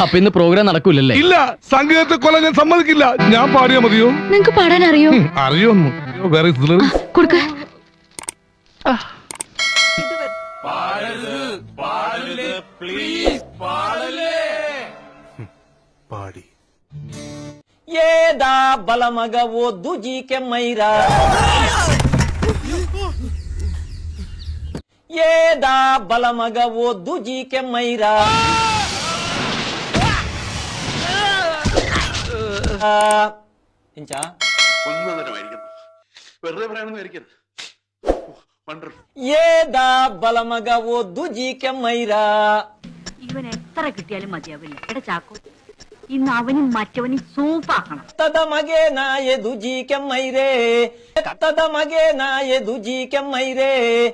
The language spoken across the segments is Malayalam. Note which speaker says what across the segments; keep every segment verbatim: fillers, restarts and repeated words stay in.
Speaker 1: അപ്പൊ ഇന്ന് പ്രോഗ്രാം നടക്കൂലല്ലേ?
Speaker 2: ഇല്ല, സംഗീതത്തെ കൊല്ലാൻ ഞാൻ സമ്മതിക്കില്ല. ഞാൻ പാടിയാ മതിയോ?
Speaker 3: നിങ്ങക്ക് പാടാൻ അറിയോ?
Speaker 2: അറിയോന്നു വേറെ
Speaker 3: കൊടുക്ക.
Speaker 2: പാടി
Speaker 4: ఏదా బలమగ వద్దు జీకెమ్మైరా ఏదా బలమగ వద్దు జీకెమ్మైరా ఇంచా ఏదా బలమగ వద్దు జీకెమ్మైరా
Speaker 5: ഇവൻ എത്ര കിട്ടിയാലും മതിയാവില്ല. എടാ ചാക്കോ, ഇന്ന് അവനും മറ്റവനും സൂപ്പാക്കണം.
Speaker 4: കത്തത മകേ നായ ദുജീക്കമ്മൈരേ കത്തത മകേ നായ ദുജീക്കമ്മൈരേ.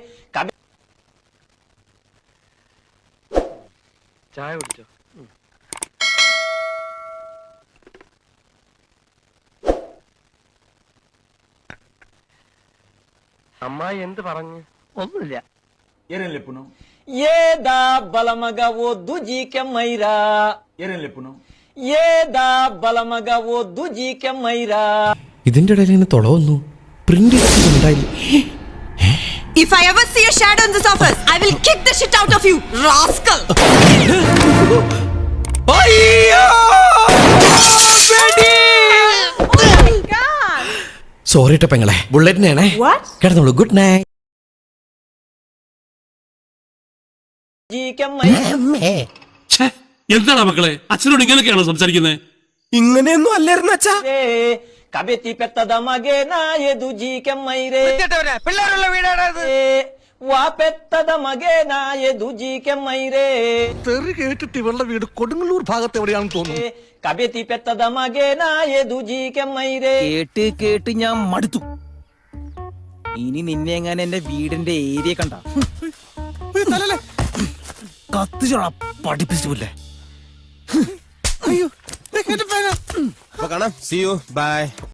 Speaker 1: ചായ കുടിച്ചോ? അമ്മായി എന്ത് പറഞ്ഞു? ഒന്നുമില്ല.
Speaker 4: ఏదా బలమగ వద్దు జీకెమ్మైరా ఏదా బలమగ వద్దు జీకెమ్మైరా.
Speaker 6: ഇതിന്റെ ഇടയിൽ ഇങ്ങനെ തുള വന്നു. പ്രിന്റ് ഉണ്ടായില്ല.
Speaker 7: If I ever see a shadow in this office, I will kick the shit out of you, rascal!
Speaker 6: Sorry ട്ടോ പെങ്ങളെ, ബുള്ളറ്റിനാണേ. കിടന്നോളൂ. Good night.
Speaker 8: എന്താണ് മക്കളെ, അച്ഛനോട് ഇങ്ങനെയൊക്കെയാണോ സംസാരിക്കുന്നത്?
Speaker 6: ഇങ്ങനെയൊന്നും അല്ലായിരുന്നു അച്ഛാ.
Speaker 4: കബെത്തി പെത്തത മകേ നായ ദുജീക്കമ്മൈരേ
Speaker 1: പിള്ളേരുള്ള വീടാണത്.
Speaker 4: വാ പെത്തത മകേ നായ ദുജീക്കമ്മൈരേ.
Speaker 2: തെറി കേട്ടിട്ട് ഇവളുടെ വീട് കൊടുങ്ങല്ലൂർ ഭാഗത്ത് എവിടെയാണെന്ന് തോന്നുന്നു.
Speaker 4: കബെത്തി പെത്തത മകേ നായ ദുജീക്കമ്മൈരേ.
Speaker 9: കേട്ട് കേട്ട് ഞാൻ മടുത്തു. ഇനി നിന്നെ എങ്ങനെ എന്റെ വീടിന്റെ ഏരിയ കണ്ട കത്തിച്ചോളാ പഠിപ്പിച്ചില്ലേ.
Speaker 6: കാണാം. See you. Bye.